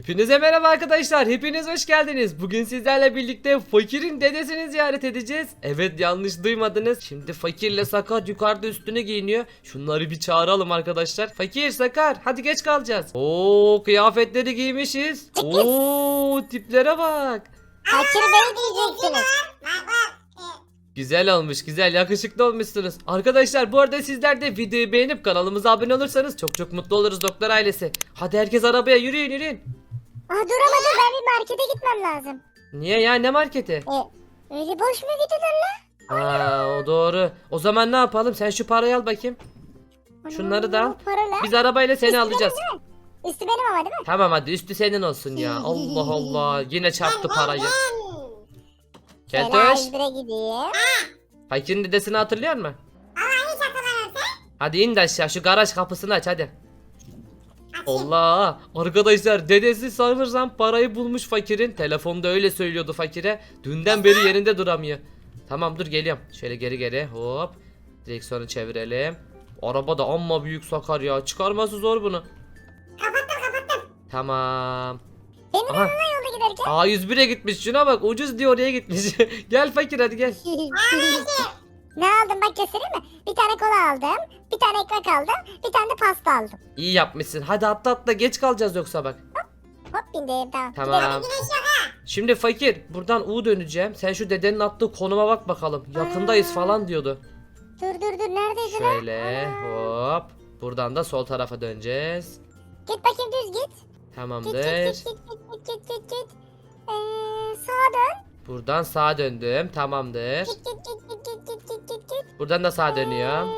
Hepinize merhaba arkadaşlar. Hepiniz hoş geldiniz. Bugün sizlerle birlikte Fakir'in dedesini ziyaret edeceğiz. Evet, yanlış duymadınız. Şimdi Fakir'le Sakar yukarıda üstüne giyiniyor. Şunları bir çağıralım arkadaşlar. Fakir, Sakar, hadi geç kalacağız. Oo, kıyafetleri giymişiz. Oo, tiplere bak. Fakir Bey diyeceksiniz. Güzel olmuş, güzel, yakışıklı olmuşsunuz. Arkadaşlar, bu arada sizler de videoyu beğenip kanalımıza abone olursanız çok mutlu oluruz doktor ailesi. Hadi herkes arabaya, yürüyün yürüyün. Duramadım, ben bir markete gitmem lazım. Niye ya, ne marketi? Öyle boş mu gidilir lan? O doğru. O zaman ne yapalım? Sen şu parayı al bakayım. Şunları da al. Paralar. Biz arabayla seni Üstü alacağız. benim değil mi? Üstü benim ama değil mi? Tamam, hadi üstü senin olsun ya. Allah Allah. Yine çarptı parayı. Şöyle Keltoş. A101'e gideyim. Fakir'in dedesini hatırlıyor musun? Hadi in de aşağı, şu garaj kapısını aç hadi. Allah. Arkadaşlar, dedesi sanırsam parayı bulmuş Fakir'in. Telefonda öyle söylüyordu Fakir'e. Dünden beri yerinde duramıyor. Tamam, dur geliyorum. Şöyle geri hop. Direksiyonu çevirelim. Araba da amma büyük Sakar ya. Çıkarması zor bunu. Kapattım. Tamam. Benim Aha. yanına yolda giderken. A101'e gitmiş, şuna bak, ucuz diye oraya gitmiş. Gel Fakir, hadi gel. Ne aldım bak, göstereyim mi? Bir tane kola aldım. Bir tane ekmek aldım. Bir tane de pasta aldım. İyi yapmışsın, hadi atla geç kalacağız yoksa bak. Hop bindim, tamam. Tamam. Şimdi Fakir, buradan U döneceğim. Sen şu dedenin attığı konuma bak bakalım. Yakındayız falan diyordu. Dur neredeydin lan? Şöyle hop. Buradan da sol tarafa döneceğiz. Git bakayım, düz git. Tamamdır. Git. Sağa dön. Buradan sağa döndüm. Tamamdır. Git. Buradan da sağa dönüyorum.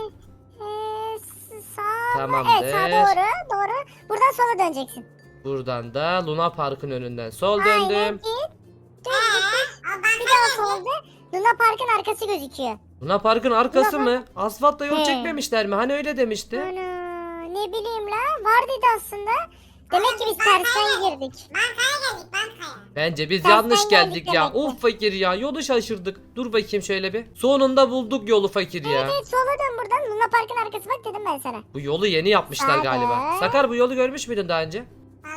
Sağ. Tamamdır. Evet, sağa doğru. Buradan sola döneceksin. Buradan da Luna Park'ın önünden sol Aynen, döndüm. git. Bir daha solda Luna Park'ın arkası gözüküyor. Luna Park'ın arkası mı? Asfaltta yol He. çekmemişler mi? Hani öyle demişti. Ana, ne bileyim la, var dedi aslında. Demek ki biz tersten girdik. Bence biz Tersten yanlış geldik geldik ya. demek ki. Of Fakir ya, yolu şaşırdık. Dur bakayım şöyle bir. Sonunda bulduk yolu Fakir ya. Evet, sola dön buradan, Luna Park'ın arkası bak dedim ben sana. Bu yolu yeni yapmışlar Sağda. galiba. Sakar, bu yolu görmüş müydün daha önce?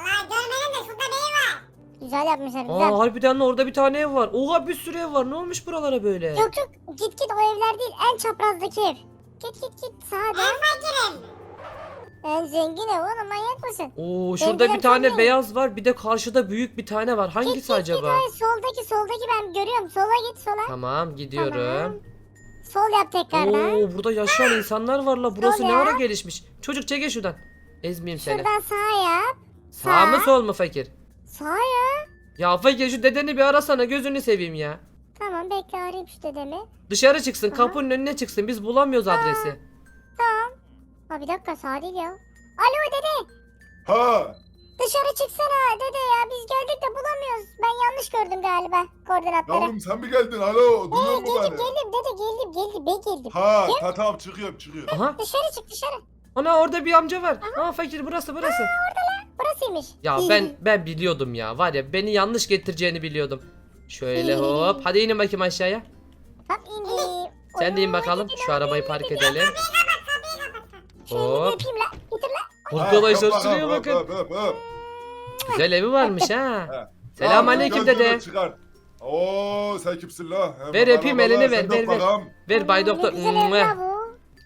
Güzel yapmışlar, güzel. Aa, harbiden de orada bir tane ev var. Oha, bir sürü ev var. Ne olmuş buralara böyle? Yok git o evler değil, en çaprazdaki ev. Git sağa dön. En zengin ev oğlum, manyak mısın? Oo, şurada Zengin bir tane zengin. beyaz var. Bir de karşıda büyük bir tane var. Hangisi Git, acaba? hayır, soldaki ben görüyorum, sola git sola. Tamam, gidiyorum. Sol yap tekrardan. Oo, burada yaşayan insanlar var la. Burası Sol ne ya. ara gelişmiş. Çocuk çekil şuradan. Ezmeyeyim seni. Şuradan sağa yap. Sağ mı sol mu Fakir? Sağa ya. Ya Fakir, şu dedeni bir arasana, gözünü seveyim ya. Tamam, bekle, arayayım şu dedemi. Dışarı çıksın, Aha. kapının önüne çıksın. Biz bulamıyoruz adresi. Tamam. Bir dakika, sağ değil ya. Alo dede. Ha, Dışarı çıksana dede ya, biz geldik de bulamıyoruz. Ben yanlış gördüm galiba koordinatları. yavrum sen mi geldin? Alo, duyuyor musun beni? Geldim dede, geldim ben geldim. Ha, tamam çıkıyorum. Aha. Dışarı çık dışarı. Ana, orada bir amca var. Aa Fakir, burası. Burasıymış. Ya ben biliyordum ya. Var ya, beni yanlış getireceğini biliyordum. Şöyle hop. Hadi inin bakayım aşağıya. Bak indi. Sen de in bakalım. Şu arabayı park edelim. Şöyle Hop. öpeyim la. Getir la. Arkadaşlar, Ha, şuraya hop, bakın. hop. Güzel evi varmış ha. Ha. Selamünaleyküm Tamam, dede. gözünü çıkar. Oo, sen kimsin la? He, Ver, bana, öpeyim, bana, elini sen ver, de ver. bakalım. Ver Bay Doktor. Ne güzel ev Mua. la bu.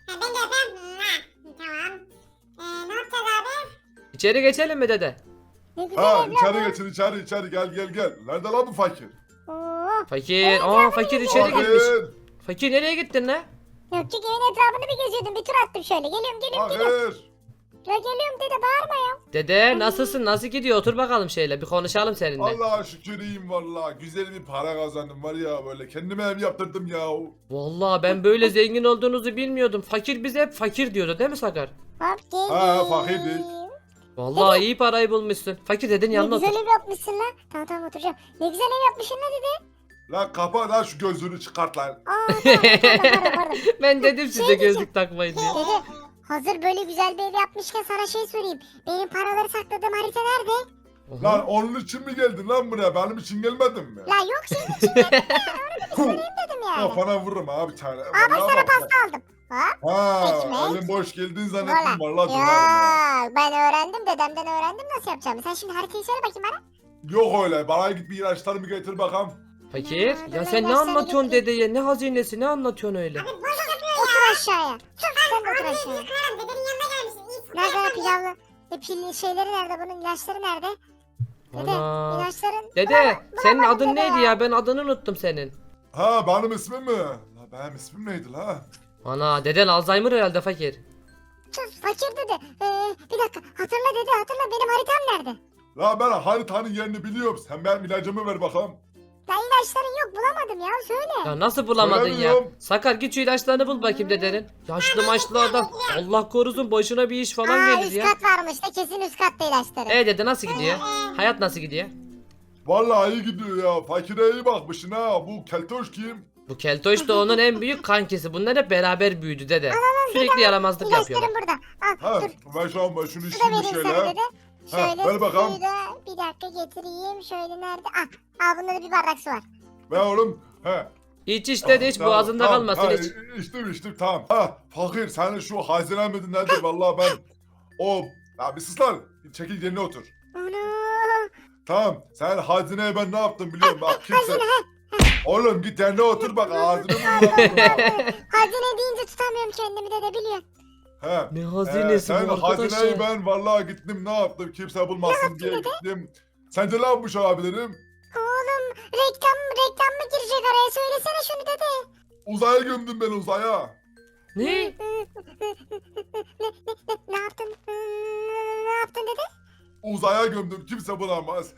İçeri geçelim mi dede? Ne güzel Ha, ev la içeri bu. geçin, içeri gel. Nerede lan bu fakir? Oo. Fakir. Aa, Fakir içeri Fakir. girmiş. Fakir, nereye gittin lan? Yok, çünkü evin etrafını bir geziyordum. Bir tur attım şöyle. Geliyorum. Fakir. La geliyorum dede, bağırma ya. Dede, nasılsın? Nasıl gidiyor? Otur bakalım şöyle, bir konuşalım seninle. Allah'a şükür iyiyim valla. Güzel bir para kazandım var ya böyle. Kendime ev yaptırdım ya. Vallahi ben böyle zengin olduğunuzu bilmiyordum. Fakir bize hep fakir diyordu, değil mi Sakar? Hop geldim. Ha, fakirdik. Vallahi iyi parayı bulmuşsun. Fakir dedin, Ne yanına güzel otur. ev yapmışsın lan. Tamam oturacağım. Ne güzel ev yapmışsın lan dede. Lan kapa lan şu gözünü çıkart lan. Pardon. Ben dedim size diyeceğim. gözlük takmayın diye. Dede, hazır böyle güzel bir ev yapmışken sana şey sorayım. Benim paraları sakladığım harita nerede? Oha. Lan onun için mi geldin lan buraya? Benim için gelmedin mi? La yok, senin için geldim de onu bir sorayım dedim yani. Kafana vururum abi bir tane. Bak Vallahi sana bak. pasta aldım. Hop. Ha, Ekmek. elin boş geldiğin Valla. zannettim vallahi dönerim ha. Ya ben öğrendim, dedemden öğrendim nasıl yapacağımı. Sen şimdi haritayı söyle bakayım bana. Yok öyle. Bana git bir ilaçlarımı getir bakalım. Fakir Dur, ya ben sen ne ilaçları anlatıyorsun getireyim. dedeye? Ne hazinesi ne anlatıyorsun öyle? Otur aşağıya. Sen de otur aşağıya. Nerede o pilavlı? Pil şeyleri nerede bunun? İlaçları nerede? Dede Ana. ilaçların. Dede senin bulamadım adın dede neydi ya. ya? Ben adını unuttum senin. Ha benim ismim mi? La benim ismim neydi la? Ana deden Alzheimer herhalde fakir. Sus fakir dede. Bir dakika hatırla dede hatırla benim haritam nerede? La ben haritanın yerini biliyorum. Sen benim ilacımı ver bakalım. Ya ilaçların yok bulamadım ya söyle. Ya nasıl bulamadın ya? Söylemiyorum. Sakar git şu ilaçlarını bul bakayım dedenin. Yaşlı maçlı adam. Allah korusun başına bir iş falan gelir üst ya. kat varmış da kesin üst katta ilaçları. Dede nasıl gidiyor? Hayat nasıl gidiyor? Vallahi iyi gidiyor ya. Fakire iyi bakmışsın ha. Bu keltoş kim? Bu keltoş da onun en büyük kankisi. Bunlar hep beraber büyüdü dede. Sürekli yaramazlık yapıyorlar. İlaçlarım burada. Al Ha dur. ben şu an şunu Su da içeyim bir vereyim şöyle. sana dede. Ha, Şöyle ver bakalım. suyu da bir dakika getireyim. Şöyle nerede? Al bunda da bir bardak su var. Ver oğlum. He. İç dede hiç Tamam, boğazında tamam. kalmasın Ha, hiç. içtim tamam. Ha fakir senin şu hazine midir nedir vallahi ben o ya bir sus lan. Çekil yerine otur. Ana. Tamam sen hazineye ben ne yaptım biliyorum bak kimse. Hazine Oğlum git yerine otur bak ağzını burnunu. Hazine deyince tutamıyorum kendimi dede biliyorsun. He. Ne hazinesi sen bu arkadaş hazineyi ya. ben vallahi gittim ne yaptım kimse bulmasın diye gittim. Sence ne yapmış olabilirim? Oğlum reklam mı girecek araya söylesene şunu dede. Uzaya gömdüm ben uzaya. Ne? Ne yaptın? Ne yaptın dede? Uzaya gömdüm kimse bulamaz.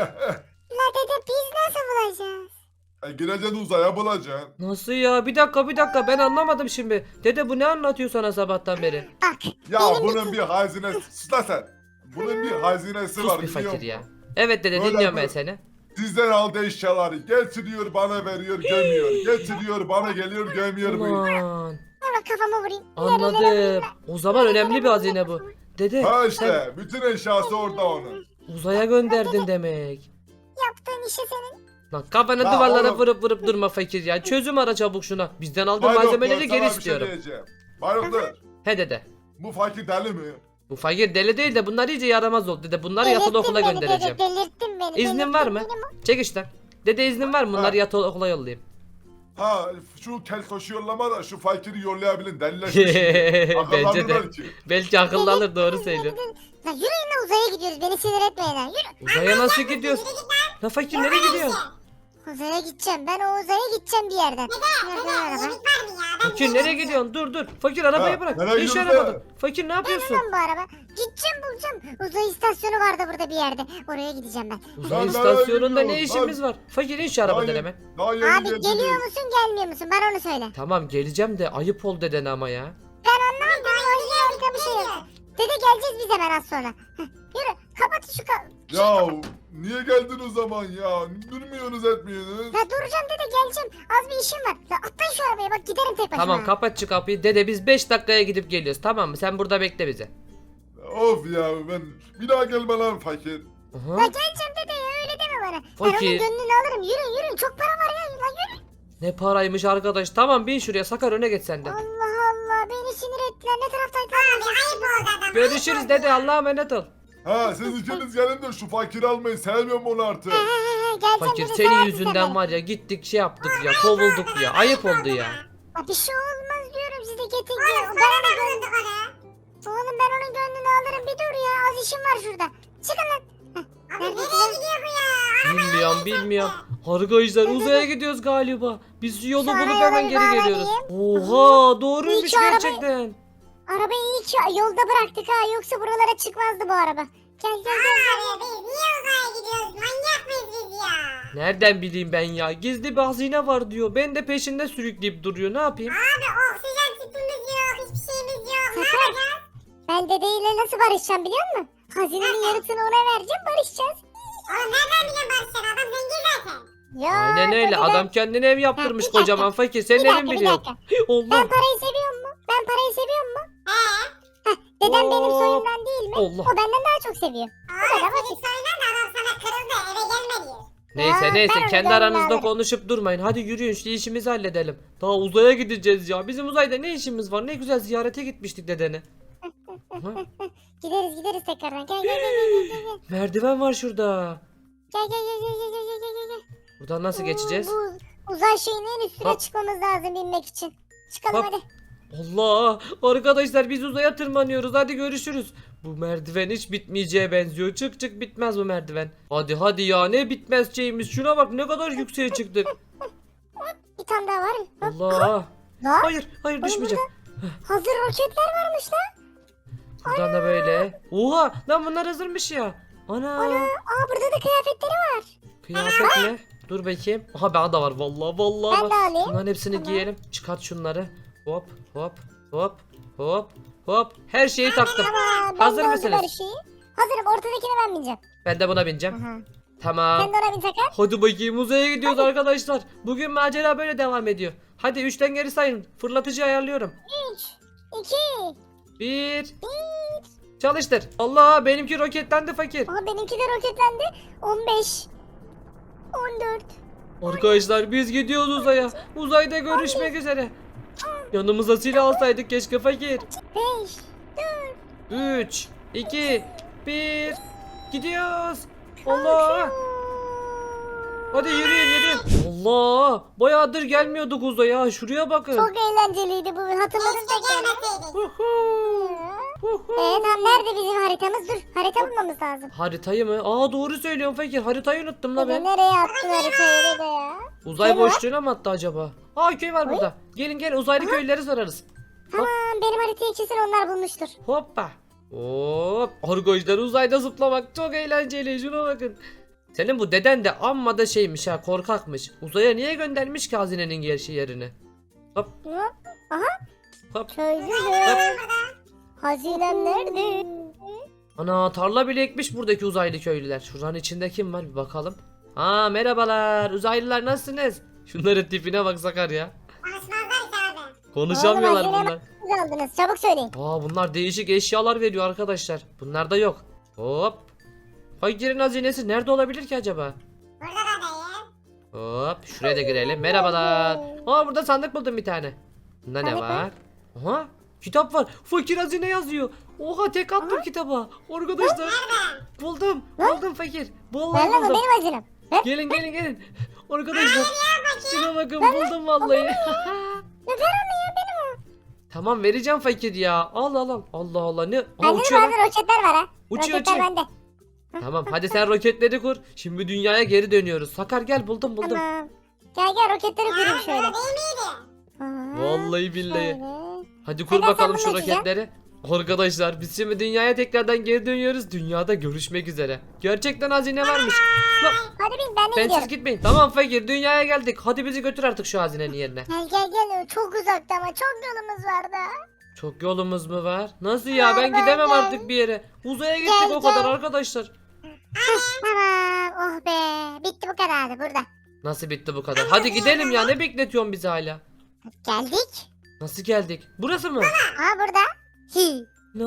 La dede biz nasıl bulacağız? Gireceksin uzaya bulacaksın. Nasıl ya? Bir dakika ben anlamadım şimdi. Dede bu ne anlatıyor sana sabahtan beri? Bak Ya benim bunun bir hazinesi. Sus lan sen. Bunun bir hazinesi Sus var bir biliyor fakir ya. musun? Evet dede Öyle dinliyorum mi? ben seni. Sizden aldığı eşyaları getiriyor bana veriyor gömüyor. Getiriyor bana geliyor gömüyor. Ulan hemen kafama vurayım. anladım. O zaman önemli bir hazine bu. Dede Ha sen işte bütün eşyası orada onun. uzaya gönderdin demek. Yaptığın işe senin. Lan kafanı Ya duvarlara oğlum. vurup durma fakir ya. Çözüm ara çabuk şuna. Bizden aldığın Bayraktar, malzemeleri sana geri bir şey istiyorum. diyeceğim. Bayraktar He dede. bu fakir deli mi? Bu fakir deli değil de bunlar iyice yaramaz oldu dede. Bunları yatılı Delirttin okula beni göndereceğim. Dede, delirttin beni. İznin var mı? Çek işte. Dede iznin var mı? Bunları Ha. yatılı okula yollayayım. Ha şu keltoşu yollama da şu fakiri yollayabilin delileşmiş. Bence de. Belki. Belki akıllı alır doğru söylüyor. Lan yürüyün lan uzaya gidiyoruz. Beni sinir etmeyin lan. Yürü. Uzaya nasıl gidiyorsun? La fakir nereye gidiyorsun? Uzaya gideceğim. Ben o uzaya gideceğim bir yerden. Nereden araba? Fakir nereye gidiyorsun? Dur. Fakir arabayı Ha, bırak. nereye İş gidiyorsun ya? arabada. Fakir ne yapıyorsun? Lan bu araba. Gideceğim bulacağım. Uzay istasyonu vardı burada bir yerde. Oraya gideceğim ben. Uzay Lan istasyonunda nereye ne gidiyorsun? işimiz var? Fakir in şu arabadan hemen. Daha yeni Abi geldiniz. geliyor musun gelmiyor musun? Bana onu söyle. Tamam geleceğim de ayıp ol deden ama ya. Ben anlamadım. Harika bir şey yok. Dede geleceğiz biz hemen az sonra. Heh, yürü. Kapat şu Ya niye geldin o zaman ya? Durmuyorsunuz etmiyorsunuz. Ya duracağım dede geleceğim. Az bir işim var. Ya atlayın şu arabaya bak giderim tek başıma. Tamam kapat şu kapıyı. Dede biz 5 dakikaya gidip geliyoruz tamam mı? Sen burada bekle bizi. Of ya ben bir daha gelme lan fakir. Ya Aha. geleceğim dede ya öyle deme bana. Ben Fakir. onun gönlünü alırım. Yürüyün çok para var ya. Lan yürü. Ne paraymış arkadaş. Tamam bin şuraya Sakar öne geç sen de. Allah Allah beni sinir ettiler. Ne taraftaydı? Abi ayıp oldu adam. Görüşürüz dede Allah'a emanet ol. Ha siz ikiniz gelin de şu fakiri almayı sevmiyorum onu artık. Geleceğim Fakir dede, senin seversin yüzünden sen var ya gittik şey yaptık ya kovulduk ya. Ayıp oldu ya. beni. Bir şey olmaz diyorum size getin. Oğlum ben onun gönlünü alırım bir dur ya. Az işim var şurada. Çıkın lan. Abi nereye gidiyor bu ya? Bilmiyorum. Arkadaşlar uzaya gidiyoruz galiba. Biz yolu Şu bulup araya hemen bir geri bağlayayım. geliyoruz. Oha doğruymuş İyi ki arabayı- gerçekten. Arabayı iyi ki yolda bıraktık ha. Yoksa buralara çıkmazdı bu araba. Gel gel gel. Abi biz niye uzaya gidiyoruz? Manyak mıyız biz ya? Nereden bileyim ben ya? Gizli bir hazine var diyor. Ben de peşinde sürükleyip duruyor. Ne yapayım? Abi oksijen tüpümüz yok, hiçbir şeyimiz yok. Ne Sakar. yapacağız? Ben dedeyle nasıl barışacağım biliyor musun? Hazinenin yarısını ona vereceğim barışacağız. Oğlum nereden biliyorsun Barışcan? Adam zengin zaten. Ya, Aynen öyle. dededen- Adam kendine ev yaptırmış Ha, bir dakika. kocaman fakir. Senin Bir evin dakika, bir biliyor. dakika. Allah. Ben parayı seviyor mu? Ben parayı seviyor mu? He? Dedem benim Hop. soyumdan değil mi? Allah. O benden daha çok seviyor. Abi kadar senin soyundan da adam sana kırıldı, eve gelme diyor. Neyse Ya, neyse ben kendi öyle aranızda derdim. konuşup durmayın. Hadi yürüyün şu işimizi halledelim. Daha uzaya gideceğiz ya. Bizim uzayda ne işimiz var? Ne güzel ziyarete gitmiştik dedeni. Aha, Gideriz tekrardan. Gel. merdiven var şurada. Gel. Buradan nasıl geçeceğiz? Bu uzay şeyinin en üstüne Hop. çıkmamız lazım binmek için. Çıkalım Hop. hadi. Allah! Arkadaşlar biz uzaya tırmanıyoruz. Hadi görüşürüz. Bu merdiven hiç bitmeyeceğe benziyor. Çık bitmez bu merdiven. Hadi ya ne bitmez şeyimiz. Şuna bak ne kadar yükseğe çıktık. Bir tane daha var. Hop. Allah! Lan Hayır düşmeyeceğim. hazır roketler varmış lan. Buradan da böyle. Oha! Lan bunlar hazırmış ya. Ana! Aa burada da kıyafetleri var. Kıyafet mi? Dur bakayım. Aha bana da var vallahi Ben var. de alayım. Bunların hepsini Tamam. giyelim. Çıkart şunları. Hop. Her şeyi taktım. Tamam. Ben Hazır de mısınız? oldu her şeyi. Hazırım. Ortadakine ben bineceğim. Ben de buna bineceğim. Aha. Tamam. Sen de ona bin Sakar. Hadi bakayım uzaya gidiyoruz arkadaşlar. Bugün macera böyle devam ediyor. Hadi 3'ten geri sayın. Fırlatıcı ayarlıyorum. 3, 2. 1. Çalıştır. Allah benimki roketlendi fakir. Aha benimki de roketlendi. 15. 14. Arkadaşlar biz gidiyoruz uzaya. Uzayda görüşmek üzere. Yanımıza silah alsaydık keşke fakir. 5. 3, 2, 1. Gidiyoruz. Allah. Hadi yürüyün. Allah. Bayağıdır gelmiyorduk uzaya. Şuraya bakın. Çok eğlenceliydi bu. Hatırladım tekrar. Gelmeseydik. Huhu. Tamam nerede bizim haritamız? Dur harita bulmamız lazım. Haritayı mı? Aa doğru söylüyorsun fakir. Haritayı unuttum la ben. Nereye attın haritayı da ya? Uzay Köy var. boşluğuna mı attı acaba? Aa köy var burada. Gelin uzaylı köylüleri sorarız. Tamam benim haritayı kesin onlar bulmuştur. Hoppa. Hop. Arkadaşlar uzayda zıplamak çok eğlenceli. Şuna bakın. Senin bu deden de amma da şeymiş ha korkakmış. Uzaya niye göndermiş ki hazinenin gerçi yerini? Hop. Aha. Hop. Çözdüm. Hazinem nerede? Ana tarla bile ekmiş buradaki uzaylı köylüler. Şuranın içinde kim var bir bakalım. Aa merhabalar uzaylılar nasılsınız? Şunların tipine bak Sakar ya. Konuşmazlar ki abi. Konuşamıyorlar Oğlum, bunlar. Siz aldınız çabuk söyleyin. Aa bunlar değişik eşyalar veriyor arkadaşlar. Bunlar da yok. Hop. Fakirin hazinesi nerede olabilir ki acaba? Burada da değil. Hop şuraya da girelim. Merhabalar. Aa burada sandık buldum bir tane. Bunda ne Sandık mı? var? Aha kitap var. Fakir hazine yazıyor. Oha tek attım kitaba. Arkadaşlar buldum. Buldum fakir. Vallahi Ben lan bu buldum. benim hazinem. Gelin. Arkadaşlar şuna bakın buldum vallahi. Ne paranı ya benim o. Tamam vereceğim fakir ya. Al. Allah ne? Aa, Bende de uçuyor lan. bazı roketler var ha. Uçuyor. Roketler bende. Tamam hadi sen roketleri kur. Şimdi dünyaya geri dönüyoruz. Sakar gel buldum. Tamam. Gel roketleri kurayım şöyle. Burada değil miydi? Aa, Vallahi billahi. şöyle. Hadi kur Hadi bakalım sen şu bunu açacağım. roketleri. Arkadaşlar biz şimdi dünyaya tekrardan geri dönüyoruz. Dünyada görüşmek üzere. Gerçekten hazine varmış. Lan, Hadi bin ben de bensiz gidiyorum. gitmeyin. Tamam fakir dünyaya geldik. Hadi bizi götür artık şu hazinenin yerine. Gel. Çok uzakta ama çok yolumuz var da. Çok yolumuz mu var? Nasıl ya ben Var, gidemem gel. artık bir yere. Uzaya gittik Gel, o kadar gel. arkadaşlar. Tamam. Oh be. Bitti bu kadardı burada. Nasıl bitti bu kadar? Hadi gidelim ya ne bekletiyorsun bizi hala? Geldik. Nasıl geldik? Burası mı? Aa burada. Hi.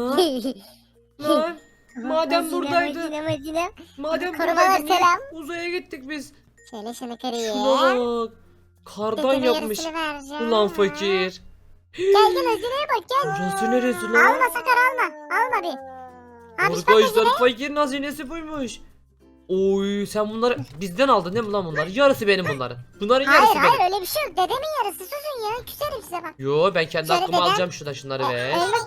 Lan madem Hazine, buradaydı. hazine. Madem Korumalar buradaydı niye selam. uzaya gittik biz? Şöyle şunu kırayım. Şuna bak. Kardan Dedeme yapmış. yarısını vereceğim. Ulan fakir. Gel hazineye bak gel. Burası neresi lan? Alma Sakar alma. Alma bir. Abi bak Arkadaşlar hazine. fakirin hazinesi buymuş. Oy sen bunları bizden aldın değil mi lan bunları? Yarısı benim bunların. Bunların yarısı Hayır benim. öyle bir şey yok. Dedemin yarısı susun ya. Küserim size bak. Yo ben kendi Şöyle aklıma dedem. alacağım şunları be.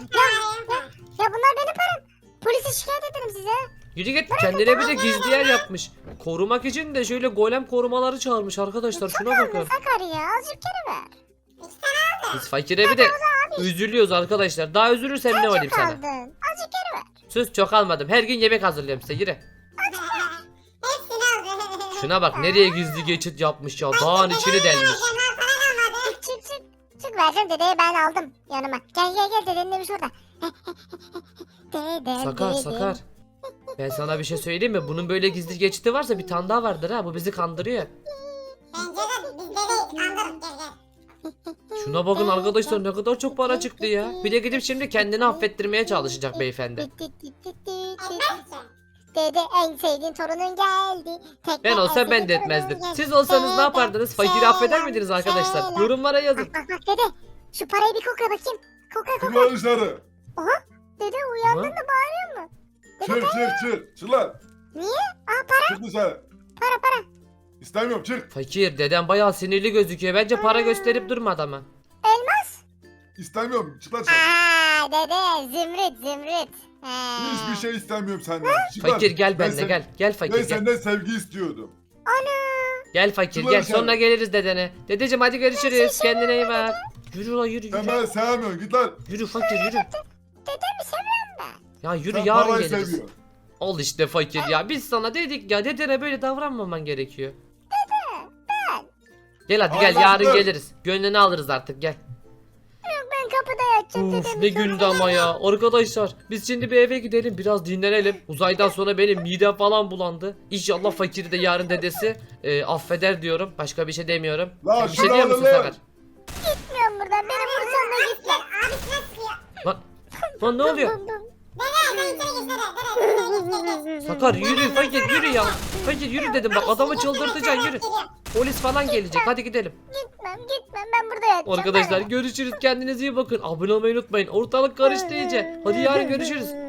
Ya bunlar benim param. Polise şikayet ederim size. Yürü git kendine bir de gizli yer yapmış. Korumak için de şöyle golem korumaları çağırmış arkadaşlar şuna bakın. Sakar ya azıcık geri ver. Biz fakire bir de üzülüyoruz arkadaşlar. Daha üzülürsem ne olayım Çok sana? aldın. Azıcık geri ver. Sus çok almadım. Her gün yemek hazırlıyorum size yürü. Hepsini aldı. Şuna bak nereye gizli geçit yapmış ya. Dağın içini delmiş. Çık vereceğim dedeye ben aldım yanıma. Gel dedenin evi şurada. Dedem Sakar. Ben sana bir şey söyleyeyim mi? Bunun böyle gizli geçiti varsa bir tane daha vardır ha. Bu bizi kandırıyor. Bence de bizde değil. Kandırıp gel. Şuna bakın arkadaşlar ne kadar çok para çıktı ya. Bir de gidip şimdi kendini affettirmeye çalışacak beyefendi. Etmez ki. Dede en sevdiğin torunun geldi. Tekne Ben en olsam ben sevdiğin de torunun etmezdim. geldi. Siz olsanız ne Selam, yapardınız? Fakiri selam, affeder miydiniz arkadaşlar? selam. Yorumlara yazın. Bak dede şu parayı bir kokla bakayım. Kokla Çık kokla. lan dışarı. Dede uyandın Aha. da bağırıyor mu? Çık. Çık lan. Niye? Aa para Çık dışarı. para. İstemiyorum çık. Fakir dedem bayağı sinirli gözüküyor. Bence para gösterip durma adama. Elmas. İstemiyorum. Çık lan dışarı. Aa dede zümrüt. Ha. Hiçbir şey istemiyorum senden. Çık lan. Fakir gel Ben benimle sen- gel. Gel fakir Ben gel. senden sevgi istiyordum. Gel fakir Çık gel. lan dışarı. Sonra geliriz dedene. Dedeciğim hadi görüşürüz. Kendine iyi bak. Yürü la yürü Sen yürü. beni sevmiyorsun. Git lan. Yürü fakir yürü. Dedemi seviyorum ben. Ya yürü Sen yarın parayı geliriz. seviyorsun. Al işte fakir ya. Biz sana dedik ya dedene böyle davranmaman gerekiyor. Gel hadi gel yarın Anlattım. geliriz. Gönlünü alırız artık gel. Ben kapıda yatacağım Uf dedemi. ne gündü ama ya. Arkadaşlar biz şimdi bir eve gidelim biraz dinlenelim. Uzaydan sonra benim midem falan bulandı. İnşallah fakiri de yarın dedesi affeder diyorum. Başka bir şey demiyorum. Lan Sen bir şey şunu diyor musun alın lan. Sakar? Gitmiyorum buradan. Beni vursan da gitme. Abisine sıkıyor. Lan ne oluyor? Dede sen içeri geç dede. Sakar yürü fakir yürü ya. Fakir yürü dedim bak adamı çıldırtacaksın yürü. Polis falan gelecek hadi gidelim. Gitmem ben burada yatacağım. Arkadaşlar görüşürüz kendinize iyi bakın. Abone olmayı unutmayın. Ortalık karıştı iyice. Hadi yarın görüşürüz.